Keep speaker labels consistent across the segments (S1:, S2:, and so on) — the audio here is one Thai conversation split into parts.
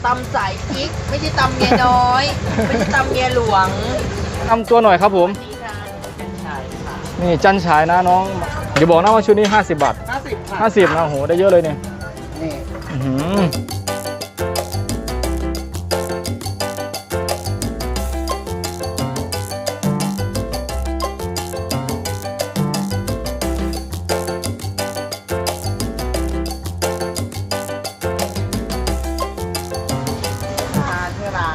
S1: ตำสายพริกไม่ใช่ตำเมียน้อยไม่ใช่ตำเมียหลวง
S2: ทำตัวหน่อยครับผม
S1: นี่ค่ะเป็นชายค่ะ
S2: นี่จันฉายนะน้องเดี๋ยวบอกนะว่าชุดนี้50 บาท
S3: 50ค่ะ
S2: 50นะโหได้เยอะเลยเนี่ย
S3: นี่
S2: อื้อหือ
S3: ทานที่ร้าน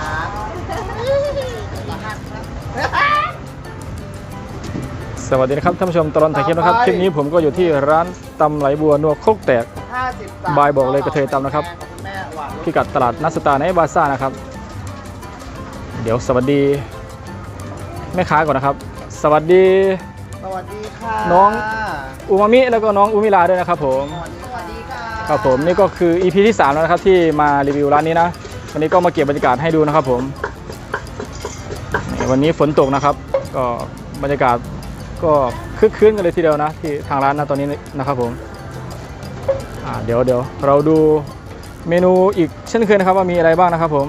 S2: สวัสดีนะครับท่านผู้ชมตลอดถ่ายคลิปนะครับคลิปนี้ผมก็อยู่ที่ร้านตำไหลบัวนัวโคกแตก
S3: 50
S2: บายบอกเลยกระเทยตำนะครับ
S3: แม่หวาน
S2: พิกัดตลาดนัดสตาร์ในบาซ่านะครับ เดี๋ยวสวัสดีแม่ค้าก่อนนะครับ สวัสดี
S3: สวัสดีค่ะ
S2: น้อง อูมามิแล้วก็น้องอูมิลาด้วยนะครับผม
S1: สวัสดีค่ะ
S2: ครับผมนี่ก็คือ EP ที่ 3 แล้วนะครับที่มารีวิวร้านนี้นะวันนี้ก็มาเก็บบรรยากาศให้ดูนะครับผมนี่วันนี้ฝนตกนะครับ ก็บรรยากาศก็คึกคืนกันเลยทีเดียวนะที่ทางร้านนะตอนนี้นะครับผมเดี๋ยวเราดูเมนูอีกเช่นเคยนะครับว่ามีอะไรบ้างนะครับผม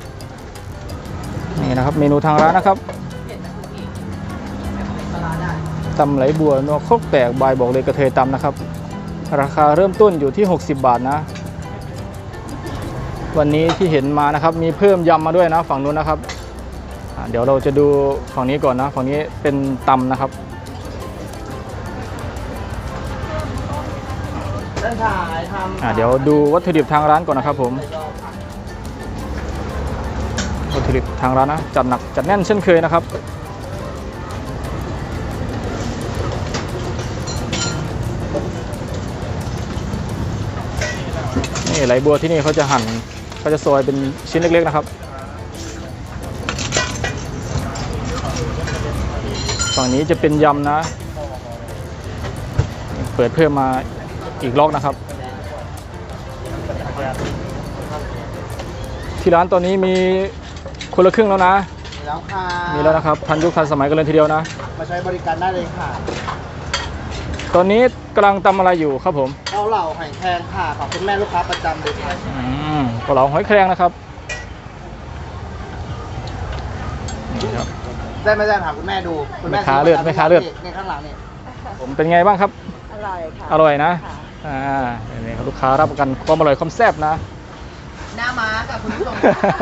S2: นี่นะครับเมนูทางร้านนะครับตำไหลบัวนัวโคกแตกบายบอกเลยกระเทยตำนะครับราคาเริ่มต้นอยู่ที่60 บาทนะวันนี้ที่เห็นมานะครับมีเพิ่มยำมาด้วยนะฝั่งนู้นนะครับเดี๋ยวเราจะดูฝั่งนี้ก่อนนะฝั่งนี้เป็นตำนะครับ
S3: ท่านถ่ายทำ
S2: เดี๋ยวดูวัตถุดิบทางร้านก่อนนะครับผมวัตถุดิบทางร้านนะจัดหนักจัดแน่นเช่นเคยนะครับนี่ไหลบัวที่นี่เขาจะหั่นเขาจะซอยเป็นชิ้นเล็กๆนะครับฝั่งนี้จะเป็นยำนะเปิดเพิ่มมาอีกล็อกนะครับที่ร้านตอนนี้มีคนละครึ่งแล้วนะ
S3: มีแล้วค่ะ
S2: มีแล้วนะครับทันยุคทันสมัยกันเลยทีเดียวนะ
S3: มาใช้บริการได้เลยค่ะ
S2: ตอนนี้กำลังตำอะไรอยู่ครับผม
S3: เกาเหลาหอยแครงค่ะขอบคุณแม่ลูกค้าประจำเลยค่ะ
S2: เกาเหลาหอยแครงนะครับนี่ครับ
S3: ได้ไม่ได้ถามคุณแม่ดูคุณแม่
S2: แม่ค้าเลือดแม่ค้าเลือด
S3: ในข้างหลังนี่
S2: ผมเป็นไงบ้างครับ
S1: อร่อยค่ะ
S2: อร่อยนะนี่ครับลูกค้ารับประกันความอร่อยความแซ่บนะ
S1: หน้าม้าค่ะคุณผู้ชม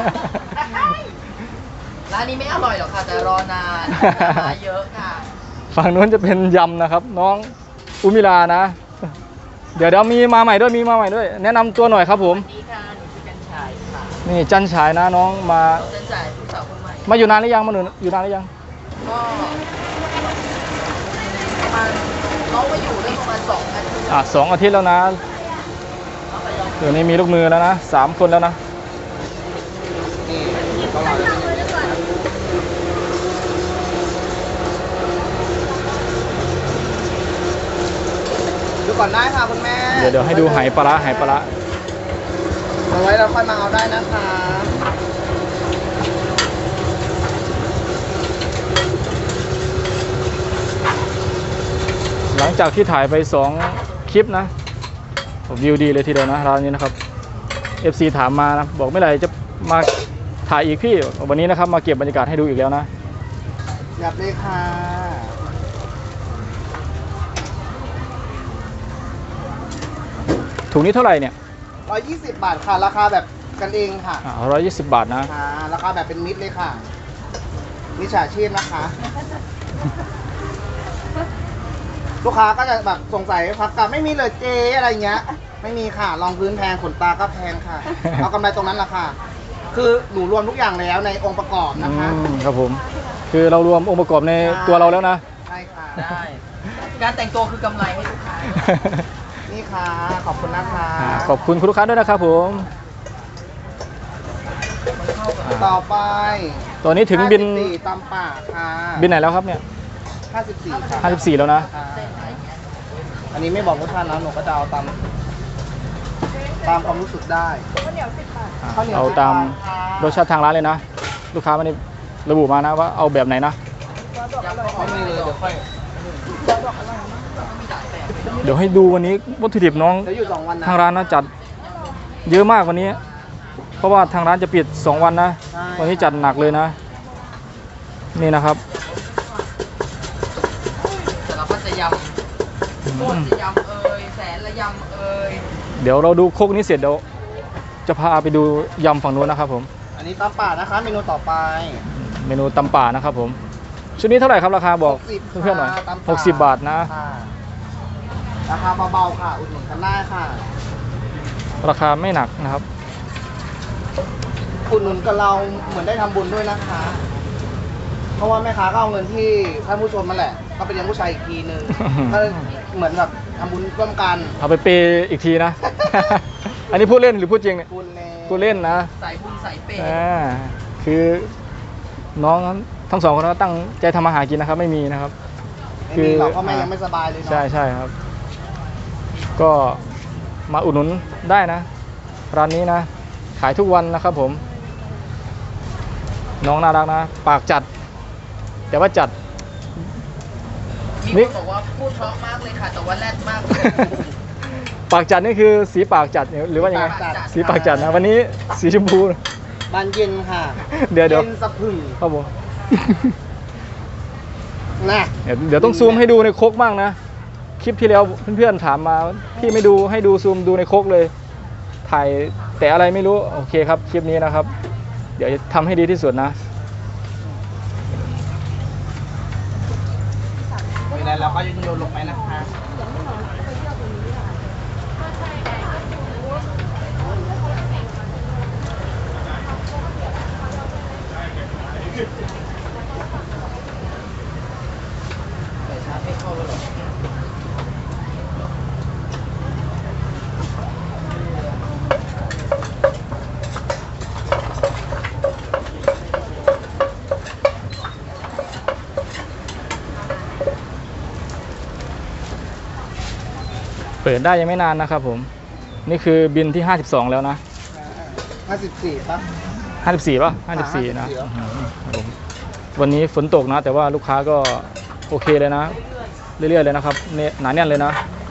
S1: ร้านนี้ไม่อร่อยหรอกค่ะแต่รอนานหน้าม้าเยอะค่ะ
S2: ฝั่งนู้นจะเป็นยำนะครับ น้องอุมิลานะ เดี๋ยวมีมาใหม่ด้วยแนะนำตัวหน่อยครับผม
S1: นี่ค่ะหนูชื่อกันชายค่ะ
S2: นี่จันฉายนะน้องมา
S1: น้องจันจ่ายผู้สาวคนใหม่
S2: มาอยู่นานหรือยังอยู่นานหรือยัง
S1: ก็ประมาณน้องมาอยู่ได้ประมาณ2 อาทิตย์
S2: 2 อาทิตย์แล้วนะเดี๋ยวนี้มีลูกมือแล้วนะ3 คนแล้วนะ
S3: นี่เกาเหลาดูก่อนได้ค่ะคุณแม่
S2: เดี๋ยวให้ดูไหปลาร้า
S3: เอาไว้แล้วค่อยมาเอาได้นะคะ
S2: หลังจากที่ถ่ายไป2 คลิปนะวิวดีเลยทีเดียวนะร้านนี้นะครับ FC ถามมานะบอกไม่ไรจะมาถ่ายอีกพี่วันนี้นะครับมาเก็บบรรยากาศให้ดูอีกแล้วนะ
S3: หยับเลยค่ะ
S2: ถุงนี้เท่าไหร่เนี่ย
S3: 120 บาทค่ะ ราคาแบบกันเองค่ะ
S2: 120 บาทนะ
S3: ค่ะราคาแบบเป็นมิตรเลยค่ะมิจฉาชีพนะคะ ลูกค้าก็จะแบบสงสัยพักกลับไม่มีเลยเจอะไรเงี้ย ไม่มีค่ะรองพื้นแพงขนตาก็แพงค่ะ เอากำไรตรงนั้นแหละค่ะ คือหนูรวมทุกอย่างแล้วในองค์ประกอบนะคะ
S2: ครับผมคือเรารวมองค์ประกอบในตัวเราแล้วนะ
S3: ใช่ค่ะ
S1: ได้ การแต่งตัวคือกำไรให้ลูกค้า
S3: นี่ค่ะ ขอบคุณนะคะ
S2: ขอบคุณคุณลูกค้าด้วยนะครับผม
S3: ต่อไป
S2: ตอนนี้ถึงบิน
S3: 54ตำป่าค่ะ
S2: บินไหนแล้วครับเนี่ย
S3: 54ค่ะ
S2: 54แล้วนะ
S3: อันนี้ไม่บอกรสชาตินะหนูก็จะเอาตามความรู้สึกได้ข้าวเหนียว10 บาท
S2: เอาตามรสชาติทางร้านเลยนะ ลูกค้าไม่ได้ระบุมานะว่าเอาแบบไหนนะ
S3: ไม่มีเลยเดี๋ยวค่อย
S2: เดี๋ยวให้ดูวันนี้วัตถุดิบน้อง
S3: เดี๋ยวอยู่2 วันนะ
S2: ทางร้านนะจัดเยอะมากวันนี้เพราะว่าทางร้านจะปิด2 วันนะ
S3: ใช่
S2: วันนี้จัดหนักเลยนะ นี่นะครับ
S1: แต่เราก็จะยำโคตรจะยำเอ่ยแสนละยำเอ่ย
S2: เดี๋ยวเราดูโคกนี้เสร็จเดี๋ยวจะพาไปดูยำฝั่งนู้นนะครับผม
S3: อันนี้ตำป่านะคะเมนูต่อไป
S2: เมนูตำป่านะครับผมชุดนี้เท่าไหร่ครับราคาบอก
S3: 60
S2: เพื่อนๆหน่อย
S3: ค่ะตำป่า
S2: 60 บาทนะ
S3: ค่ะราคาเบาๆค่ะ อุดหนุนกันได้ค่ะ
S2: ราคาไม่หนักนะครับ
S3: อุดหนุนกับเราเหมือนได้ทำบุญด้วยนะคะ เพราะว่าแม่ค้าก็เอาเงินที่ท่านผู้ชมมาแหละ ก็ไปเลี้ยงผู้ชายอีกทีนึง ก็เหมือนแบบทำบุญร่วมกัน
S2: เอาไปเปย์อีกทีนะ อันนี้พูดเล่นหรือพูดจริงเนี่ย
S3: บุญเลย
S2: พูดเล่นนะ
S1: ใส่บุญใส่เปย์
S2: อ่าคือน้องทั้งสองคนก็ตั้งใจทำมาหากินนะครับ ไม่มีนะครับ
S3: ไม่มีหรอกเพราะแม่ยังไม่สบายเลยเนาะ
S2: ใช่ใช่ครับ ก็มาอุดหนุนได้นะ ร้านนี้นะ ขายทุกวันนะครับผม น้องน่ารักนะ ปากจัด แต่ว่าจัด
S1: มีคนบอกว่าพูดเพราะมากเลยค่ะแต่ว่าแรดมากเลย
S2: ปากจัดนี่คือสีปากจัดหรือว่ายังไง สีปากจัดนะ วันนี้สีชมพู
S3: บานเย็นค่ะ
S2: เดี๋ยว
S3: เย็นสะพรึง
S2: ครับผม
S3: นะ
S2: เดี๋ยวต้องซูมให้ดูในโคกบ้างนะ คลิปที่แล้วเพื่อนๆถามมาพี่ไม่ดูให้ดูซูมดูในโคกเลย ถ่ายแต่อะไรไม่รู้โอเคครับคลิปนี้นะครับ เดี๋ยวจะทำให้ดีที่สุดนะ
S3: เวลาเราก็จะโยนลงไปนะคะ
S1: แต่ชาร์จไม่เข้าแล้วหรอ
S2: เปิดได้ยังไม่นานนะครับผม นี่คือบินที่ 52 แล้วนะ
S3: 54ป่ะ
S2: 54ป่ะ54 นะ
S3: 54
S2: ครับผมวันนี้ฝนตกนะ แต่ว่าลูกค้าก็โอเคเลยนะ เรื่อยๆเลยนะครับเนี่ยหนาแน่นเลยนะ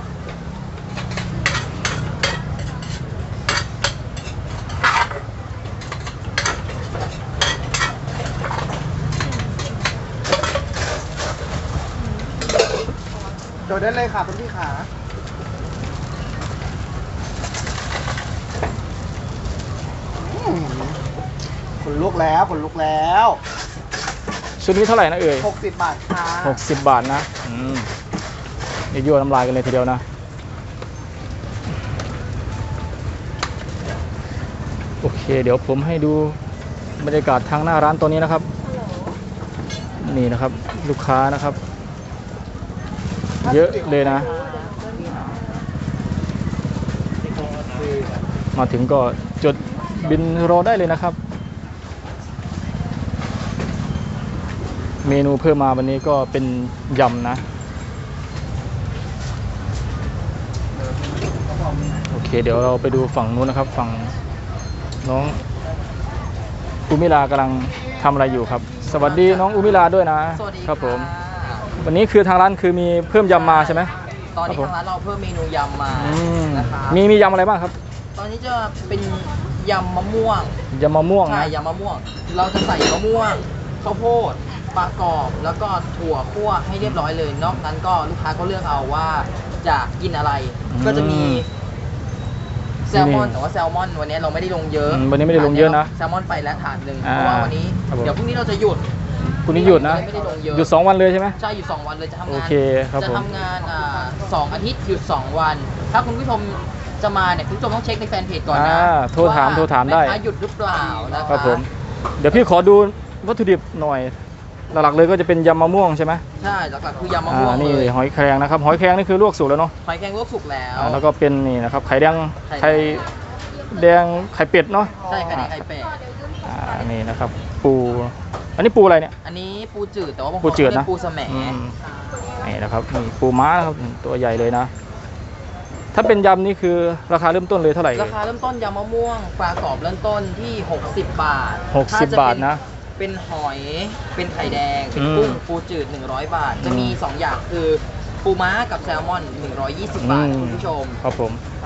S3: โดดได้เลยค่ะคุณพี่ขาขนลุกแล้วขนลุกแล้ว
S2: ชุดนี้เท่าไหร่นะเอ่ย
S3: 60 บาทค่ะ
S2: 60 บาทนะนี่ยั่วน้ำลายกันเลยทีเดียวนะ โอเค เดี๋ยวผมให้ดูบรรยากาศทางหน้าร้านตัวนี้นะครับ นี่นะครับ ลูกค้านะครับ เยอะเลยนะ มาถึงก็จดบินรอได้เลยนะครับ เมนูเพิ่มมาวันนี้ก็เป็นยำนะ โอเค เดี๋ยวเราไปดูฝั่งนู้นนะครับ ฝั่งน้องอุมิลากำลังทำอะไรอยู่ครับ สวัสดีน้องอุมิลาด้วยนะ
S1: สวัสดี
S2: ครับผม
S1: ะ
S2: วันนี้คือทางร้านคือมีเพิ่มยำมาใช่ไหม
S1: ตอนนี้
S2: ครับผม
S1: ทางร้านเราเพิ่มเมนูยำมา
S2: อืม
S1: นะคะ
S2: มียำอะไรบ้างครับ
S1: ตอนนี้จะเป็นยำมะม่วง
S2: ยำมะม่วง
S1: ใช่
S2: นะ
S1: ยำมะม่วง เราจะใส่มะม่วงข้าวโพดปลากรอบแล้วก็ถั่วคั่วให้เรียบร้อยเลย นอกนั้นก็ลูกค้าก็เลือกเอาว่าจะกินอะไร ก็จะมีแซลมอนแต่ว่าแซลมอนวันนี้เราไม่ได้ลงเยอะ
S2: วันนี้ไม่ได้ลงเยอะนะ
S1: แซลมอนไปแล้วถาดหนึ่ง
S2: อ่า
S1: เพราะว่าวันนี้
S2: ครับผม
S1: เดี๋ยวพรุ่งนี้เราจะหยุด
S2: คุณนี้หยุดนะ
S1: ไม่ได้ลงเยอะ
S2: หยุด2 วันเลยใช่ไหม
S1: ใช่หยุด2 วันเลยจะทำงาน
S2: โอเคครับ
S1: จะ
S2: ผม
S1: ทำงาน2 อาทิตย์หยุด 2 วัน ถ้าคุณผู้ชมจะมาเนี่ยคุณผู้ชมต้องเช็คในแฟนเพจก่อนนะ
S2: โทรถาม
S1: ว่
S2: โทรถามได้
S1: แค้หยุดหรือเปล่านะคะ
S2: ครับผม เดี๋ยวพี่ขอดูวัตถุดิบหน่อย หลักๆเลยก็จะเป็นยำมะม่วงใช่ไหม
S1: ใช่หลักๆคือยำมะม่วง
S2: นี่
S1: เลย
S2: หอยแครงนะครับ หอยแครงนี่คือลวกสุกแล้วเนาะ
S1: หอยแครงลวกสุกแล้ว
S2: แล้วก็เป็นนี่นะครับ ไข่แดง
S1: ไข่
S2: ไข่แดง ไข่เป็ดเนาะ
S1: ใช่ไข่แดงไข่เป็ด
S2: นี่นะครับ ปู อันนี้ปูอะไรเนี่ย
S1: อันนี้ปูจืดแต่ว่าบางค
S2: ปู
S1: น
S2: จืด
S1: เรีย
S2: นะ
S1: กปูสะแหม
S2: นี่นะครับนี่ปูม้านะครับตัวใหญ่เลยนะ ถ้าเป็นยำนี่คือราคาเริ่มต้นเลยเท่าไหร่
S1: ราคาเริ่มต้นยำมะม่วงปลากรอบเริ่มต้นที่60 บาท
S2: 60
S1: ถ้จะ
S2: บาทนะ
S1: เป็นหอยเป็นไข่แดงเป็น
S2: อืม
S1: กุ้งปูจืด100 บาท จะมี 2 อย่างคือปูม้ากับแซลมอน120 บาท
S2: อืม
S1: คุณผู้ชม
S2: ครับผม
S1: ใช่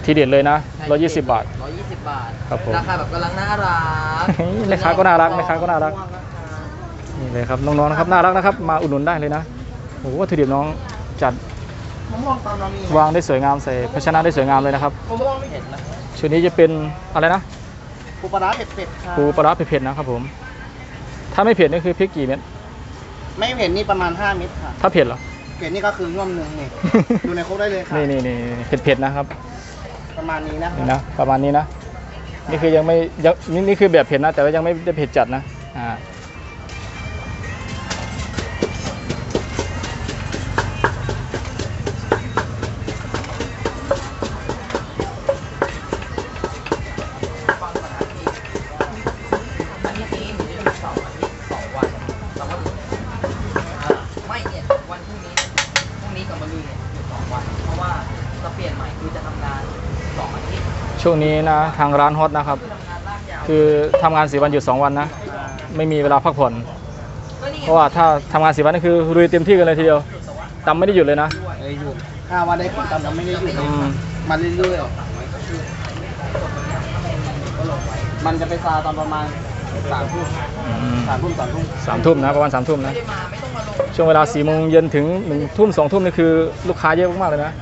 S2: ทีเด็ดเลยนะ
S1: ใช่
S2: 120 บาท
S1: 120 บาท
S2: ครับผม
S1: ราคาแบบกำลังน่ารัก
S2: แม่ค้าก็น่ารักแม่ค้าก็น่ารัก นี่เลยครับน้องๆนะครับน่ารักนะครับมาอุดหนุนได้เลยนะโอ้โหวัตถุดิบน้องจัด
S3: มะม่วงตอนเรามี
S2: วางได้สวยงามใส่ภาชนะได้สวยงามเลยนะครับ
S3: มะม่วงไม่
S1: เห็นนะ
S2: ชุดนี้จะเป็นอะไรนะ
S3: ปูปลาร้าเผ็ดๆค่ะ
S2: ปูปลาร้าเผ็ดๆนะครับผมถ้าไม่เผ็ดนี่คือพริกกี่เม็ด
S3: ไม่เผ็ดนี่ประมาณ5เม็ดค่ะ
S2: ถ้าเผ็ดเหรอ
S3: เผ็ดนี่ก็คือง่วมหนึ่ง นี่ ดูในครกได้เลยค่ะ
S2: นี่เผ็ดๆนะครับ
S3: ประมาณนี้นะ
S2: นี่นะประมาณนี้นะนี่คือยังไม่ยังนี่คือแบบเผ็ดนะ แต่ว่ายังไม่ได้เผ็ดจัดนะ
S1: อันนี้หนูจะมี2 อาทิตย์ 2 วันแต่ว่าไม่เนี่ยวันพรุ่งนี้กับมะรืนเนี่ยอยู่2 วัน เพราะว่าจะเปลี่ยนใหม่คือจะทำงาน2 อาทิตย์
S2: ช่วงนี้นะทางร้านฮอตนะครับ
S1: คือทำงานลากยาว
S2: คือทำงาน4 วันหยุด2 วันนะไม่มีเวลาพักผ่อน
S1: ก็นี่ไง
S2: เพราะว่าถ้าทำงาน4 วันนี่คือลุยเต็มที่กันเลยทีเดียวตำไม่ได้หยุดเลยนะ
S3: เอ้ยหยุด5 วันได้กินตามเราไม่ได้หยุด
S2: อืม
S3: มันเรื่อยๆมันจะไปซาตอนประมาณ3 ทุ่ม 3 ทุ่ม 3 ทุ่ม
S2: 3 ทุ่มนะประมาณ3 ทุ่มนะ
S1: ไม่ได้มาไม่ต้องมาลง
S2: ช่วงเวลา4 โมงเย็นถึง1 ทุ่ม 2 ทุ่มนี่คือลูกค้าเยอะมากๆเลยนะ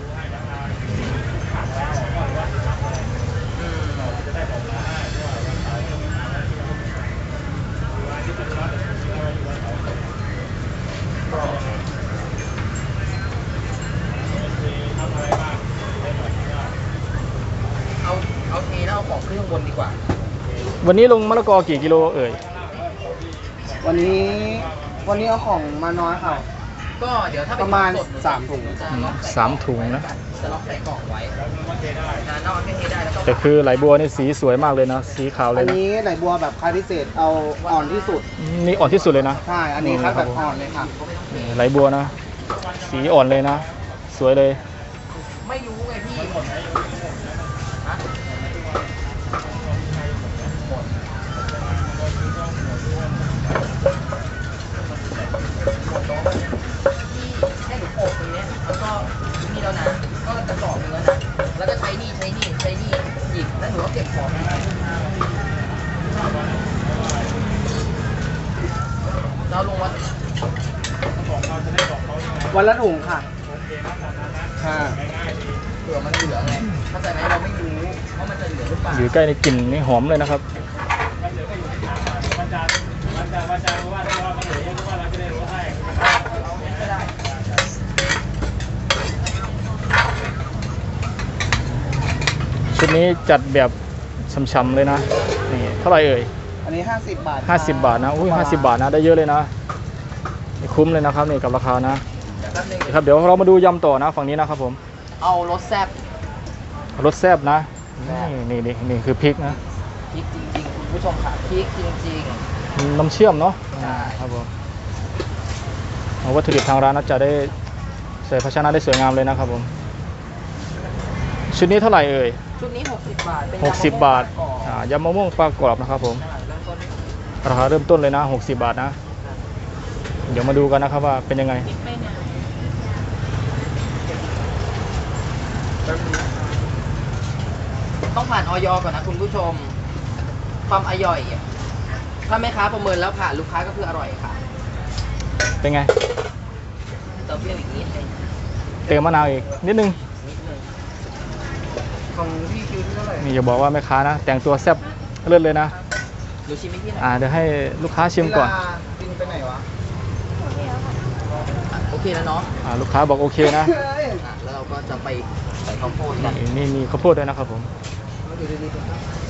S1: เอาเทแล้วเอาของขึ้นข้างบนดีกว่า
S2: วันนี้ลงมะละกอกี่กิโลเอ่ย
S3: วันนี้เอาของมาน้อยค่ะ
S1: ก็เดี๋ยวถ้า
S3: ประมาณ
S1: สด
S3: 3 ถุง
S1: จะล็อกใส่
S2: 3 ถุงนะ
S1: จะล็อกใส่กล่องไว้นอกก็เทได้แล้วก็
S2: แต่คือไหลบัวนี่สีสวยมากเลยนะสีขาวเล
S3: อั
S2: ย
S3: น
S2: นะ
S3: นี้ไหลบัวแบบคัดพิเศษเอาอ่อนที่สุด
S2: นี่อ่อนที่สุดเลยนะ
S3: ใช่ อันนี้คัดแบบอ่อนเลยค่ะ
S2: นี่ไหลบัวนะ สีอ่อนเลยนะ สวยเลย
S1: ไม่รู้ไงพี่ฮะให้หนูโปะตรงเนี้ยแล้วก็นี่แล้วนะก็กระสอบหนึงแล้วนะแล้วก็ใช้นี่หยิบแล้วหนูก็เก็บของเราลงวัด
S3: วันละถุงค่ะค่ะ
S1: เผื่อมันเหลือไงเข้าใจไหมเราไม่รู้ว่ามันจะเหลือหรือเปล่า
S2: อยู่ใกล้ในกลิ่นนี่หอมเลยนะครับ ชุดนี้จัดแบบช่ำๆเลยนะ นี่เท่าไหร่เอ่ย
S3: อันนี้50 บาท
S2: 50 บาทนะ อุ้ย50 บาทนะ ได้เยอะเลยนะนี่คุ้มเลยนะครับนี่กับราคานะ
S1: แป๊บนึง
S2: ครับเดี๋ยวเรามาดูยำต่อนะฝั่งนี้นะครับผม
S1: เอารสแซ่บ
S2: รสแซ่บนะ
S1: แซ่บ
S2: นี่คือพริกนะ
S1: พริกจริงๆคุณผู้ชมค่ะพริกจริง
S2: น้ำเชื่อมเนาะ
S1: ใช่
S2: ครับผมเอาวัตถุดิบทางร้านนะจะได้ใส่ภาชนะได้สวยงามเลยนะครับผม ชุดนี้เท่าไหร่เอ่ย
S1: ๆชุดนี้60 บาทเป็น
S2: 60 บาท
S1: ยำมะม่วงปลากรอบ
S2: ยำมะม่วงปลากรอบนะครับผม
S1: เริ่มต้น
S2: ราคาเริ่มต้นเลยนะ60 บาทนะ เดี๋ยวมาดูกันนะครับว่าเป็นยังไง
S1: ต้องผ่านออยก่อนนะคุณผู้ชม ความอร่อยอะถ้าแม่ค้าประเมินแล้วผ่านลูกค้าก็คืออร่อยค่ะ
S2: เป็นไง
S1: เติมเปรี้ยวอีกนิดนึง
S2: เติมมะนาวอีกนิดนึง
S3: ของพี่คิวที่เท่าไหร่
S2: นี่อย่าบอกว่าแม่ค้านะ แต่งตัวแซ่บเลิศเลยนะ
S1: ดูชิมให้พี่หน่อย
S2: เดี๋ยวให้ลูกค้าชิมก่อน
S3: เวลากินไปไหนวะ
S1: โอเคแล้วเนาะ
S2: ลูกค้าบอกโอเคนะ
S1: แล้วเราก็จะไปใส่ข้าวโพดกัน
S2: นี่มีข้าวโพดด้วยนะครับผม
S3: อยู่ดีๆ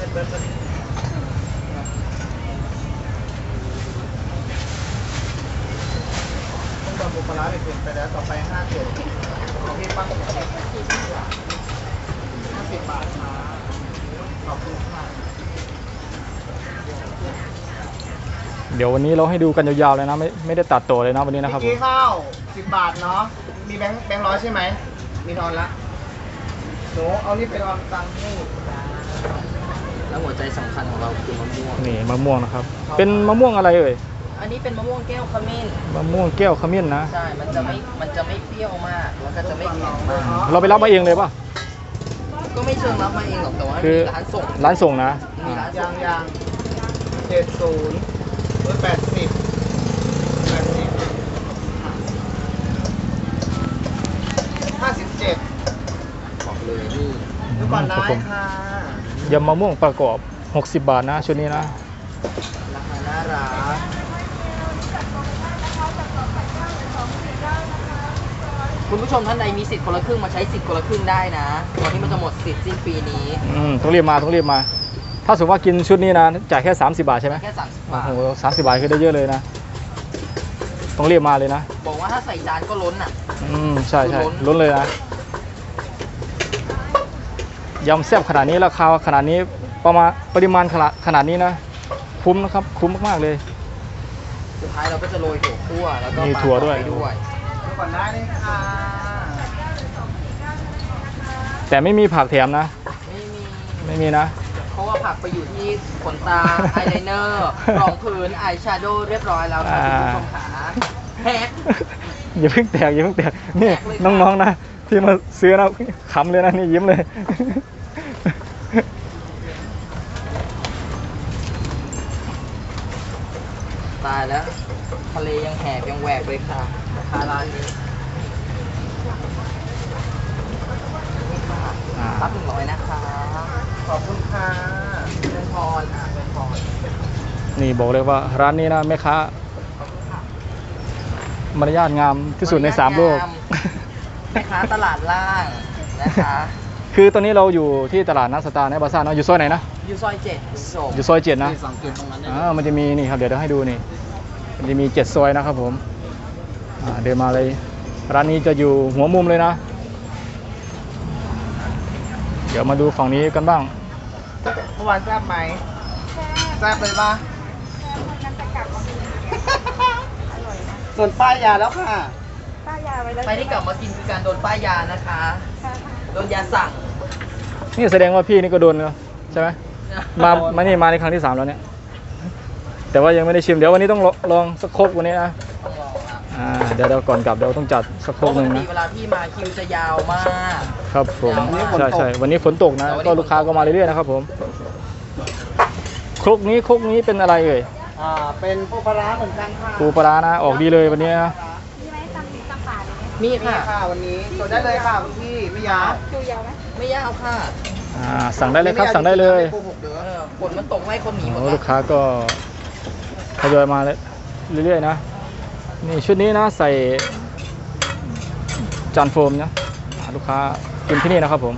S3: ต้องตอนบุปลาร้าเปลี่ยนไปแล้วต่อไป5 เจ็ดของพี่ปั้ง50 บาทค่ะขอบคุณค่ะ
S2: เดี๋ยววันนี้เราให้ดูกันยาวๆเลยนะไม่ได้ตัดต่อเลยนะวันนี้นะครับผ
S3: เมื่อ
S2: ม
S3: กี้ข้าว10 บาทเนาะ มีแบงค์ร้อยใช่ไหม มีทอนละหนูเอานี่ไปทอนตังค์ให้
S1: แล้วหัวใจสำคัญของเราคือมะม่วง
S2: นี่มะม่วงนะครับ เป็นมะม่วงอะไรเอ่ย
S1: อันนี้เป็นมะม่วงแก้วขมิ้น
S2: มะม่วงแก้วขมิ้นนะ
S1: ใช่ มันจะไม่เปรี้ยวมาก แล้วก็จะไม่เค็มมาก
S2: เราไปรับมาเองเลยป่ะ
S1: ก็ไม่เชิงรับมาเองหรอกแต่ว่า
S2: คือ
S1: มีร้านส่ง
S2: ร้านส่งนะ
S1: มีร้านส่
S3: ยาง 70 80 57
S1: บอกเลยนี่
S3: ดูก่อน
S2: ครั
S3: ได้
S2: บผม
S3: ค่ะ
S2: ยำมะม่วงประกอบ 60 บาทนะชุดนี้นะ
S1: ราคาน่ารักคุณผู้ชมท่านใดมีสิทธิ์คนละครึ่งมาใช้สิทธิ์คนละครึ่งได้นะก่อนที่มันจะหมดสิทธิ์สิ้นปีนี้
S2: ต้องรีบมาต้องรีบมา ถ้าสมมติว่ากินชุดนี้นะจ่ายแค่ 30 บาทใช่ไหม
S1: แค่30
S2: โอ้
S1: บาท
S2: โห30 บาทคือได้เยอะเลยนะ ต้องรีบมาเลยนะ
S1: บอกว่าถ้าใส่จานก็ล้นอ่ะ
S2: ใช่ใช่
S1: ล้น
S2: ล้นเลยนะยำแซ่บขนาดนี้ราคาขนาดนี้ปริมาณขนาดนี้นะ คุ้มนะครับคุ้มมากๆเลย
S1: สุดท้ายเราก็จะโรยถั่วคั่วแล้วก็
S2: มี
S1: ปลา
S2: ถั่วด้วย
S1: ไปด้วย
S3: ดูก่อนได้เลยค่ะ
S2: แต่ไม่มีผักแถมนะ
S1: ไม่มี
S2: ไม่มีนะ
S1: เพราะว่าผักไปอยู่ที่ขนตา อายไลเนอร์รองพื้นอายแชโดว์เรียบร้อยแล้วค่ะคุณผู้ชมขาแฮก
S2: อย่าเพิ่งแตกอย่าเพิ่งแตกนี่
S1: แตกเลยค่ะ
S2: น้องๆนะที่มาซื้อนะขำเลยนะนี่ยิ้มเลย
S1: ตายแล้วทะเลยังแหบยังแหวกเลยค่ะราคาร้านนี้นี่ค่ะ รับ100นะคะ
S3: ขอบคุณค่ะ
S1: เป็นพรเป็นพร
S2: นี่บอกเลยว่าร้านนี้นะแม่ค้ามารยาทงามที่สุดใน3โลก
S1: แม่ค้าตลาดล่างนะคะ
S2: คือตอนนี้เราอยู่ที่ตลาดนัดสตาร์ในบาซ่าเนาะอยู่ซอยไหนนะ
S1: อยู่ซอย7คุณผู้ชม
S2: อยู่ซอย7นะ
S3: ที่สังเกตตรงนั้นได้
S2: มันจะมีนี่ครับเดี๋ยวให้ดูนี่มันจะมี7ซอยนะครับผมเดินมาเลยร้านนี้จะอยู่หัวมุมเลยนะ เดี๋ยวมาดูฝั่งนี้กันบ้าง
S3: เมื่อวานแซ่บไหมแซ่บเลยปะส่วนป้ายยาแล้วค่ะ
S4: ป้ายาไว้แล้ว
S1: ใครที่กลับมากินคือการโดนป้ายยานะคะ โดนยาสั่ง
S2: นี่แสดงว่าพี่นี่ก็โดนแล้วใช่ไหมมานี่มาในครั้งที่ 3แล้วเนี่ยแต่ว่ายังไม่ได้ชิมเดี๋ยววันนี้ต้องลองสักครกวันนี้นะ
S1: ต้องลองครับ
S2: เดี๋ยวก่อนกลับเดี๋ยวต้องจัดสักค
S1: เพ
S2: รก
S1: ราะ
S2: ห
S1: ป
S2: นึ่ง
S1: กติ
S2: นะ
S1: เวลาพี่มาคิวจะยาวมาก
S2: ครับผม
S1: วันนี้ฝนตก
S2: ใช่วันนี้ฝนตกนะ
S1: แต่วันนี้
S2: ก็ลูกค้าก็มาเรื่อยๆนะครับผมครกนี้เป็นอะไรเอ่ย
S3: เป็นปูปลาร้าเหมือนกันค่ะ
S2: ปูปลาร้านะออกดีเลยวันนี้นะ
S4: มีไหมตำป่าเลยไหม
S1: มี
S3: นี่
S1: ค่ะ
S3: ค่ะวันนี้กดได้เลยค่ะคุณพี่ไม่ยาว
S4: คิวยาวไหม
S1: ไม่ยาวค่ะ
S2: สั่งได้เลยครับสั่งได้เลย
S3: ไม่โกหกเด้อ
S1: ฝนมันตกให้คนหนีหมด
S2: โอ้
S1: ละ
S2: ลูกค้าก็ทยอยมาเรื่อยๆนะนี่ชุดนี้นะใส่จานโฟมนะลูกค้ากินที่นี่นะครับผม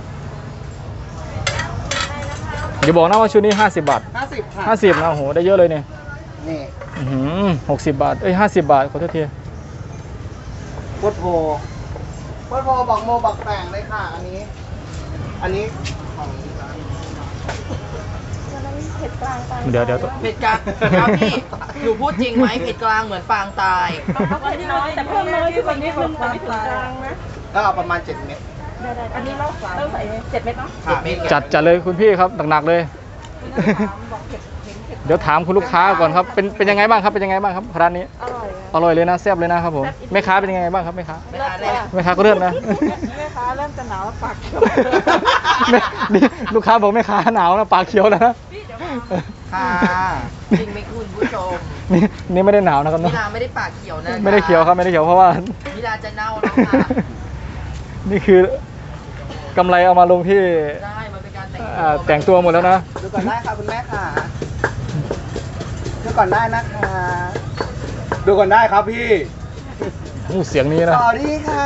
S2: อย่าบอกนะว่าชุดนี้50 บาท
S3: 50ค่ะ
S2: 50นะโอ้โหได้เยอะเลยเนี่ย
S3: นี่
S2: 60 บาท50 บาทขอโทษที
S3: โคตรโพบอกโมบอกแต่งเลยค่ะ อันนี้ของร้าน
S4: วันนั้นเผ็ดกลางตาย
S2: เดี๋ยว
S1: เผ็ดกลางครับพี่หนูพูดจริงไหมเผ็ดกลางเหมือนปางตาย
S4: วันนี้น้อยแต่เพิ่มน้อยขึ้นวันนี้มันไม่ถึงกลางนะ
S3: ก็เอาประมาณ7 เม็ด
S4: ได้อันนี้เราใส่7 เม็ดเนาะ
S3: ค่ะ
S1: เม็ด
S2: จัดเลยคุณพี่ครับหนักๆเลย
S4: บอกเผ็ดเห็นเผ็ด
S2: เดี๋ยวถามคุณลูกค้าก่อนครับเป็นยังไงบ้างครับเป็นยังไงบ้างครับร้านนี้
S4: อร่อย
S2: อร่อยเลยนะแซ่บเลยนะครับผมแม่ค้าเป็นยังไงบ้างครับแม่ค้า
S1: ไม่ทานเลย
S2: แม่ค้าก็เริ่มนะ
S4: แม่ค้าเริ่มจะหนาวแล้วปากเขียว
S2: นี่ลูกค้าบอกแม่ค้าหนาวนะปากเขียวแล้วนะ
S3: ค่ะ
S1: จริงไหมคุณผู้ชม
S2: นี่ไม่ได้หนาวนะครับ
S1: มิ
S2: เนอะ
S1: ลาไม่ได้ปากเขียวนะ
S2: ไม่ได้เขียวครับไม่ได้เขียวเพราะว่า
S1: มิลาจะเน่าแล้วค่ะ
S2: นี่คือกำไรเอามาลงที่
S1: ได้มันเป็นการแต่ง
S2: แต่งตัวหมดแล้วนะ
S3: ดูก่อนได้ค่ะคุณแม่ค่ะดูก่อนได้นะคะ ดูก่อนได้ครับพี่
S2: เสียงนี้นะ
S3: ต่อดีค่ะ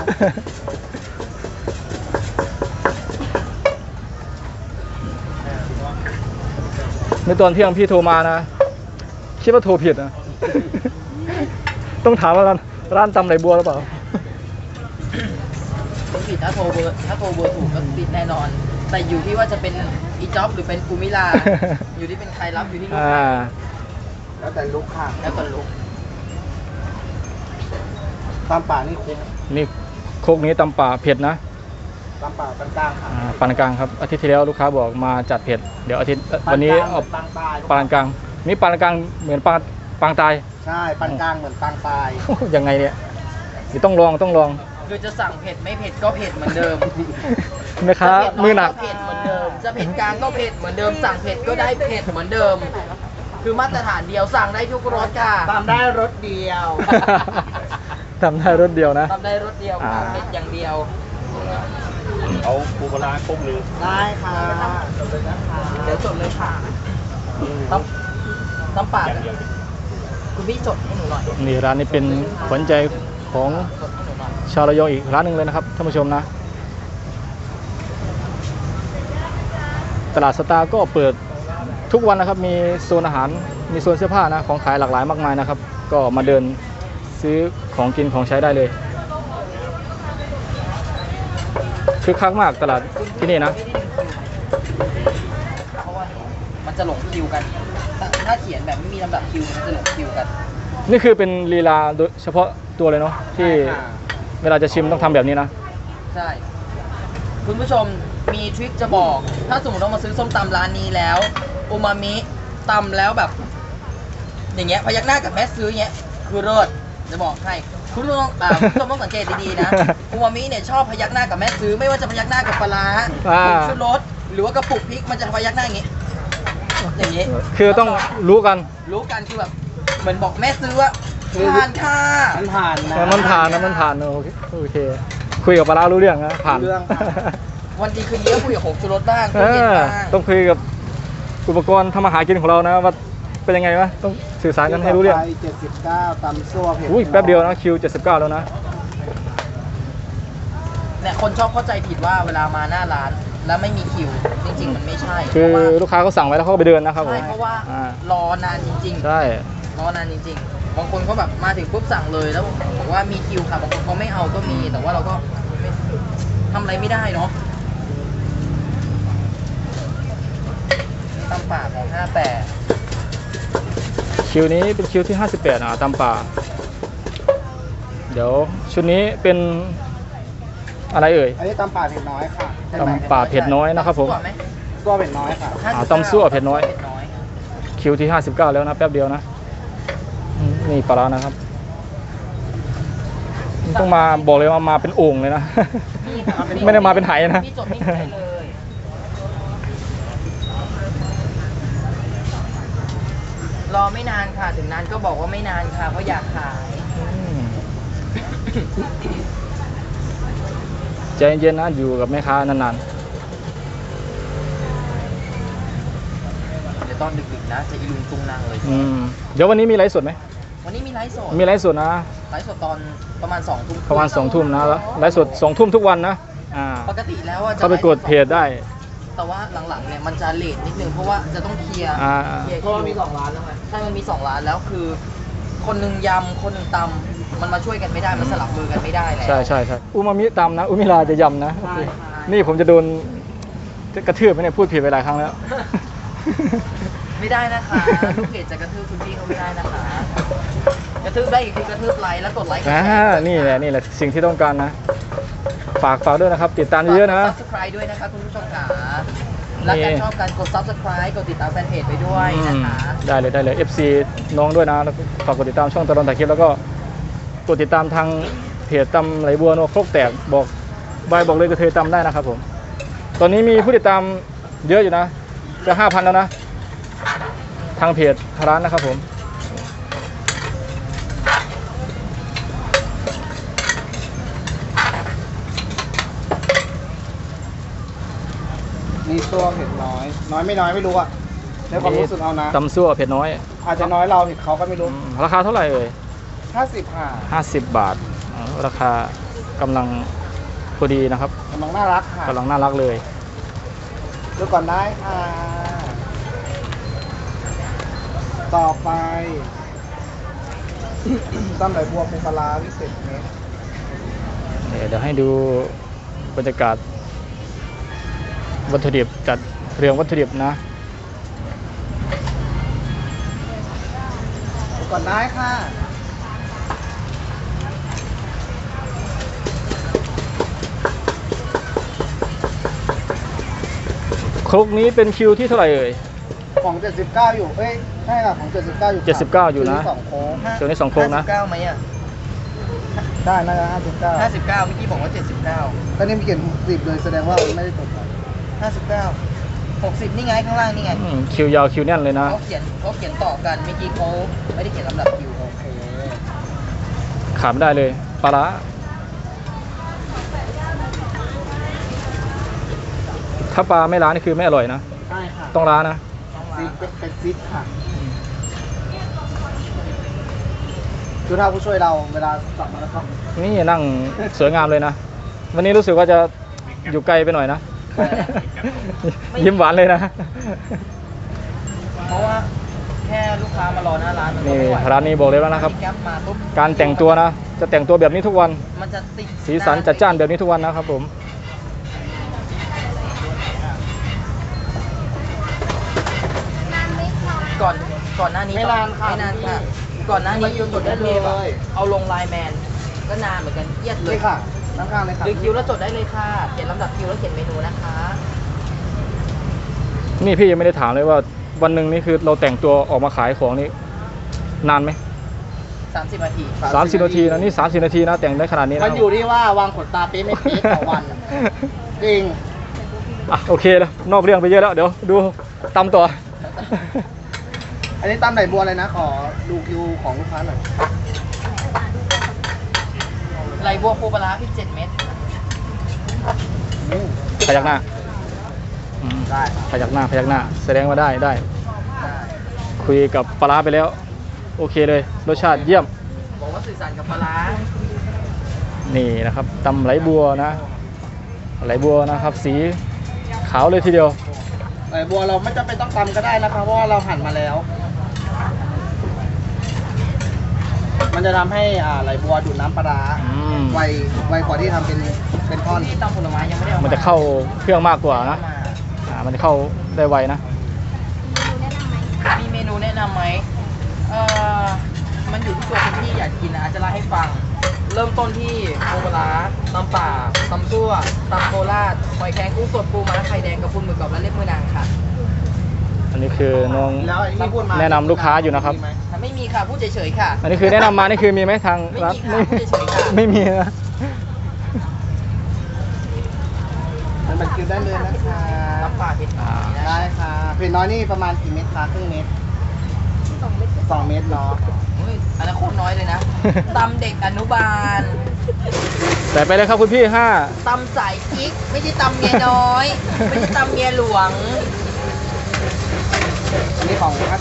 S2: ในตอนเที่ยงพี่โทรมานะคิดว่าโทรผิดนะ ต้องถามว่าร้านตำไหลบัวหรือเปล่า
S1: ต้องผิดถ้าโทรเบอร์ถูกก็ติดแน่นอน แต่อยู่ที่ว่าจะเป็นอีจ็อบหรือเป็นกูมิลา อยู่ที่เป็นใครรับอยู่ที่ลูกค้า
S3: แล้วแต่ลุกค่ะ
S1: แล้วก็ลุก
S3: ตามป่านี่คุ้ม
S2: นี่โคกนี้ตำป่าเผ็ดนะ
S3: ตามป่าปานกลางค่ะ
S2: ปานกลางครับอาทิตย์ที่แล้วลูกค้าบอกมาจัดเผ็ดเดี๋ยวอาทิตย์วันนี้เอา
S3: ปานกลาง
S2: ปานกลางนี่ปานกลางเหมือนปางตาย
S3: ใช่ปานกลางเหมือนปางตาย
S2: ยังไงเนี่ยเดี๋ยวต้องลอง
S1: คือจะสั่งเผ็ดไม่เผ็ดก็เผ็ดเหมือนเดิม
S2: แม่ค้า
S1: จะเผ็ด
S2: มือหนัก
S1: เผ็ดเหมือนเดิม จะเผ็ดกลางก็เผ็ดเหมือนเดิม สั่งเผ็ดก็ได้เผ็ดเหมือนเดิม คือมาตรฐานเดียวสั่งได้ทุกรสค่ะ
S3: ตามได้รถเดียว
S2: ทำได้รถเดียวนะ
S1: ทำได้รสเดียวค่ะ
S2: อ่า
S1: เผ็ดอย่างเดียว
S5: เอาปูปลาร้าครบหนึ่ง
S3: ได้ค่ะจบเลยนะคะ
S1: เดี๋ยวจดเลยค่ะน้ำปลา
S5: อย่างเดียว
S1: คุณพี่จดให้หนูหน่อย
S2: นี่ร้านนี้เป็นขวัญใจของ
S1: จดให้หนูหน่อย
S2: ชาวระยองอีกร้านหนึ่งเลยนะครับท่านผู้ชมนะ ตลาดสตาร์ก็เปิดทุกวันนะครับ มีโซนอาหารมีโซนเสื้อผ้านะของขายหลากหลายมากมายนะครับ ก็มาเดินซื้อของกินของใช้ได้เลยคึกคักมากตลาดที่นี่นะ
S1: เพราะว่ามันจะหลงคิวกัน ถ้าเขียนแบบไม่มีลำดับคิวมันจะหลงคิวกัน
S2: นี่คือเป็นลีลาโดยเฉพาะตัวเลยเนาะที่
S3: ใช่ค่ะ
S2: เวลาจะชิมต้องทำแบบนี้นะ
S1: ใช่ คุณผู้ชมมีทริคจะบอก ถ้าสมมติเรามาซื้อส้มตำร้านนี้แล้วอูมามิตำแล้วแบบ อย่างเงี้ยพยักหน้ากับแม่ซื้ออย่างเงี้ยคือเลิศจะบอกให้คุณผู้ชมคุณผู้ชมต้องสังเกตดีๆนะอูมามิเนี่ยชอบพยักหน้ากับแม่ซื้อไม่ว่าจะพยักหน้ากับปลาร้า
S2: อ่า
S1: ผงชูรสหรือว่ากระปุกพริกมันจะพยักหน้าอย่างงี้ อย่างงี้
S2: คือต้องรู้กัน
S1: รู้กันคือแบบเหมือนบอกแม่ซื้อว่าทานค่ะ
S3: มันผ่านนะ
S2: มันผ่านนะมันผ่านโอเคโอเค คุยกับปลาร้ารู้เรื่องนะผ่าน
S3: รู้เรื่องค่ะ
S1: วันดีคืนดีก็คุยกับผงชูรสบ้าง
S2: เอ
S1: คุยเย็น
S2: อ
S1: บ้าง
S2: ต้องคุยกับอุปกรณ์ทำอาหารกินของเรานะว่าเป็นยังไงวะต้องสื่อสารกันให้รู้เรื่อง
S3: ไป79ตำซั่วเผ็ด
S2: อุ้ยแป๊บเดียวนะคิว79แล้วนะ
S1: เนี่ยคนชอบเข้าใจผิดว่าเวลามาหน้าร้านแล้วไม่มีคิว จริง ๆ มันไม่ใช่
S2: คือ
S1: เพราะว่า
S2: ลูกค้าเขาสั่งไว้แล้วเขาก็ไปเดินนะครับผม
S1: ใช่เพราะว่า
S2: อ่
S1: รอนานจริง
S2: ใช่
S1: ๆรอนานจริง ๆ บางคนเขาแบบมาถึงปุ๊บสั่งเลยแล้วบอกว่ามีคิวค่ะบางคนเขาไม่เอาก็มี แต่ว่าเราก็ไม่ทำอะไรไม่ได้เนาะตำป่าของ58
S2: คิวนี้เป็นคิวที่58ตามป่า เดี๋ยวชุดนี้เป็นอะไรเอ่ย
S3: อันนี้ตำป่าเผ็ดน้อยค่ะ
S2: ตำป่าเผ็ดน้อยนะครับผม
S1: ตำซั่วไห
S3: ซั่วเผ็ดน้อยค่ะ
S1: 59
S2: ตำซั่วเผ็ดน้อย คิวที่59แล้วนะแป๊บเดียวนะนี่ปลาร้านะครับ ต้องมาบอกเลยว่ามาเป็นโอ่งเลยนะ
S1: นี่ค่ะ
S2: ไม่ได้มาเป็นไหนะ
S1: พี่จดนี่ได้เลยรอไม่นานค่ะถึงนานก็บอกว่าไม่นานค่ะเพราะอยากขาย
S2: ใจเย็นๆนะอยู่กับแม่ค้านาน
S1: เดี๋ยวตอนดึกๆนะจะอีลุงตุงนางเลย
S2: ๆเดี๋ยววันนี้มีไลฟ์สดไหม
S1: วันนี้มีไลฟ์สด
S2: มีไลฟ์สดนะ
S1: ไลฟ์สดตอนประมาณ2 ทุ่ม
S2: ประมาณ2 ทุ่มนะไลฟ์สด2 ทุ่มทุกวันนะ
S1: ปกติแล้วว่าจะ
S2: เข้าไปกดเพจได้
S1: แต่ว่าหลังๆเนี่ยมันจะเลทนิดนึงเพราะว่าจะต้องเคลียร์ เคลียร์
S3: เพราะว่ามี2ร้านแล้วไง
S1: ใช่มันมี2 ร้านแล้วคือ คนหนึ่งยำคนหนึ่งตำมันมาช่วยกันไม่ได้มันสลับมือกันไม่ได้แล้ว
S2: ใช่ใช่ใช่อุมามิตำนะอุมิลาจะยำนะ
S1: ใช่
S2: นี่ผมจะโดนกระทืบไหมเนี่ยพูดผิดไปหลายครั้งแล้ว
S1: ไม่ได้นะคะลูกเพจจะกระทืบคุณพี่เขาไม่ได้นะคะ กระทืบได้อีกคือกระทืบไลค์แล้วกดไลค์กดแชร์
S2: นี่แหละสิ่งที่ต้องการนะ ฝากด้วยนะครับ ติดตามเยอะๆนะ
S1: กด subscribe ด้วยนะคะคุณผู้ชมค่ะและการชอบการกด subscribe กดติดตามแฟนเพจไปด้วยนะคะ
S2: ได้เลย FC น้องด้วยนะแล้วก็ฝากกดติดตามช่องตลอดถ่ายคลิปแล้วก็กดติดตามทางเพจตำไหลบัวโนโครกแตกบอกเลยกระเทยตำได้นะครับผมตอนนี้มีผู้ติดตามเยอะอยู่นะจะ 5,000 แล้วนะทางเพจร้านนะครับผม
S3: นี่ซั่วเผ็ดน้อย น้อยไม่น้อยไม่รู้อะในความรู้สึกเอานะ
S2: ตำซั่วเผ็ดน้อย
S3: อาจจะน้อยเราเห็นเขาก็ไม่รู้
S2: ราคาเท่าไหร่เอ่ย
S3: 50ค่ะ
S2: 50 บาทราคากำลังพอดีนะครับ
S3: กำลังน่ารักค่ะ
S2: กำลังน่ารักเลย
S3: ดูก่อนได้ค่ะ ต่อไป ตำไหลบัวปูปลาร้าพิเศษเม็ด
S2: เดี๋ยวให้ดูบรรยากาศวัตถุดิบจัดเรียงวัตถุดิบนะ
S3: ดูก่อนได้ค่ะ
S2: ครกนี้เป็นคิวที่เท่าไหร่เอ่ย
S3: ของ 79 อยู่ เอ้ย ใช่ค่ะ ของ 79 อยู่ค่ะ
S2: 79อยู่นะ
S3: ซื้2โค้ง
S2: เดี๋ยวนี้2 โครงนะ
S1: 59ไหมอ่ะ
S3: ได้น่าจะ59
S1: 59เมื่อกี้บอกว่า79
S3: ก็นี่มีเขียน60เลยแสดงว่าไม่ได้ตกไป
S1: 59 60นี่ไงข้างล่างนี่ไง
S2: คิวยาวคิวแน่นเลยนะ
S1: เขาเขียนต่อกันเมื่อกี้เขาไม่ได้เขียนลำดับคิว
S3: โอเค
S2: ขาดไม่ได้เลยปลาร้าถ้าปลาไม่ล้างนี่คือไม่อร่อยนะ
S3: ใช่ค่ะ
S2: ต้องล้างนะ
S3: ซีดเป็นซีดค่ะดูท่าผู้ช่วยเราเวลาสับมาแล้วก็
S2: นี่นั่งสวยงามเลยนะ วันนี้รู้สึกว่าจะอยู่ไกลไปหน่อยนะ ยิ้มหวานเลยนะ
S1: เพราะว่าแค่ลูกค้ามารอหน้าร้านมันก็
S2: นี่
S1: ไม่ไหว
S2: ร้านนี้บอกเลยแล้วนะครับ
S1: มีแก๊ปมาปุ๊บ
S2: การแต่งตัวนะ จะแต่งตัวแบบนี้ทุกวัน
S1: มันจะติด
S2: สีสันจัดจ้านแบบนี้ทุกวันนะครับผม
S1: ก่อนหน้านี้
S3: ไม่นานค่ะ
S1: ไม่นานค่ะ ก่อนหน้านี้
S3: มันจดได้เลย
S1: เอาลงไลน์แมนก็นานเหมือนกันเอียดเลย
S3: นี่ค่ะข้างๆเลยค่ะ
S1: หรือคิวแล้วจดได้เลยค่ะเขียนลำดับคิวแล้วเขียนเมนูนะคะ
S2: นี่พี่ยังไม่ได้ถามเลยว่าวันหนึ่งนี่คือเราแต่งตัวออกมาขายของนี่นานไหม
S1: 30 นาที
S2: 30 นาทีนะนี่30 นาทีนะแต่งได้ขนาดนี้นะ
S3: มันอยู่ที่ว่าวางขนตาเป๊ะไม่เป๊ะต่อวัน จริง
S2: อ่ะโอเคแล้วนอกเรื่องไปเยอะแล้วเดี๋ยวดูตำต่อ
S3: อันนี้ตำไหนบัวเลยนะ ขอดูคิวของลูกค้าหน่อย
S1: ไหลบัวปูปลาร้าพริก7 เม็ด
S2: พยักหน้าอืม
S3: ได้ครับ
S2: พยักหน้าแสดงว่าได้คุยกับปลาร้าไปแล้ว โอเคเลยรสชาติเยี่ยม
S1: บอกว่าสื่อสารกับปลาร้า
S2: นี่นะครับตำไหลบัวนะไหลบัวนะครับ สีขาวเลยทีเดียว
S3: ไหนบัวเราไม่จำเป็นต้องตำก็ได้นะครับเพราะว่าเราหั่นมาแล้ว มันจะทำให้ไหลบัวดูดน้ำปลาร้า
S2: อืม
S3: ไวกว่าที่ทำเป็นท่อน
S1: ที่ตำผลไม้ยังไม่ได้เอา
S2: มั
S1: มัน
S2: จะเข้าเครื่องมากกว่านะมันจะเข้าได้ไวนะ
S1: มีเมนูแนะนำไหมมันอยู่ที่ตัวคนที่อยากกินนะอาจจะเล่าให้ฟัง เริ่มต้นที่ปูปลาร้าตำป่าตำซั่วตำโคราชหอยแครงกุ้งสดปูม้าไข่แดงกับปูหมึกกรอบและเล็บมือนางค่ะ
S2: อันนี้คือน้อง
S3: แล้วไอ้ที่พูดมา
S2: แนะนำลูกค้าอยู่นะครับ
S3: มีไหม
S1: ไม่มีค่ะพูดเฉยๆค่ะ
S2: อันนี้คือแนะนำมานี่คือมีไหมทางร้าน
S1: ไม่มีค่ะเฉยๆค่ะ
S2: ไม่มีนะ
S3: มันบันคิวได้เลยนะคะ
S1: ตำป่าเผ็ดน้อยนะ
S3: ได้ค่ะเผ็ดน้อยนี่ประมาณกี่เม็ดคะครึ่งเม็ด2 เม็ดเนาะ
S1: เฮ้ยอันนั้นโคตรน้อยเลยนะตำเด็กอนุบาล
S2: แต่ไปเลยครับคุณพี่
S1: ต
S2: 5
S1: ำสายกิ๊กไม่ใช่ตำเมียน้อย ไม่ใช่ตำเมียหลวง
S3: อันนี้ของ59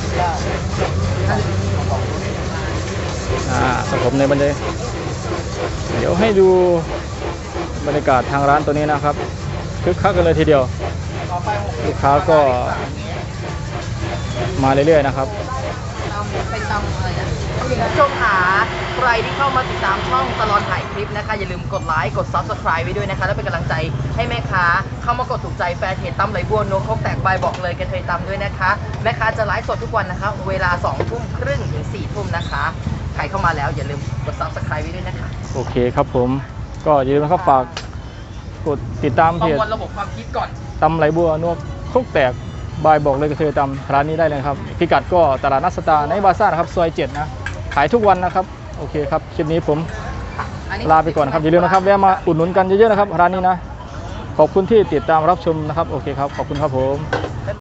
S2: สผมในบรรยากาศเดี๋ยวให้ดูบรรยากาศทางร้านตัวนี้นะครับคึกคักกันเลยทีเดียว
S3: ต่อไป
S2: ลูกค้าก็มาเรื่อยๆนะครับ
S1: เป็นตำอะไรนะคุณผู้ชมขาใครที่เข้ามาติดตามช่องตลอดถ่ายคลิปนะคะอย่าลืมกดไลค์กด Subscribe ไว้ด้วยนะคะแล้วเป็นกำลังใจให้แม่ค้าเข้ามากดถูกใจแฟนเพจตำไหลบัวโนกครกแตกใบบอกเลยกันเคยตำด้วยนะคะแม่ค้าจะไลฟ์สดทุกวันนะคะเวลา 20:30 ถึง 4:00 นะคะใครเข้ามาแล้วอย่าลืมกด Subscribe ไว้ด้วยนะคะ
S2: โอเคครับผมก็อย่าลืมนะครับฝากกดติดตาม
S1: ป
S2: เพ
S1: ระ
S2: จ
S1: มวลระบบความคิดก่อน
S2: ตำไหลบัวนวกครกแตกบายบอกเลยกระเทยตำร้านนี้ได้เลยครับพิกัดก็ตลาดนัดสตาร์ในบาซ่านะครับซอย7นะขายทุกวันนะครับโอเคครับคลิปนี้ผมลาไปก่อนครับอย่าลืมนะครับแวะมาอุดหนุนกันเยอะๆนะครับร้านนี้นะขอบคุณที่ติดตามรับชมนะครับโอเคครับขอบคุณครับผม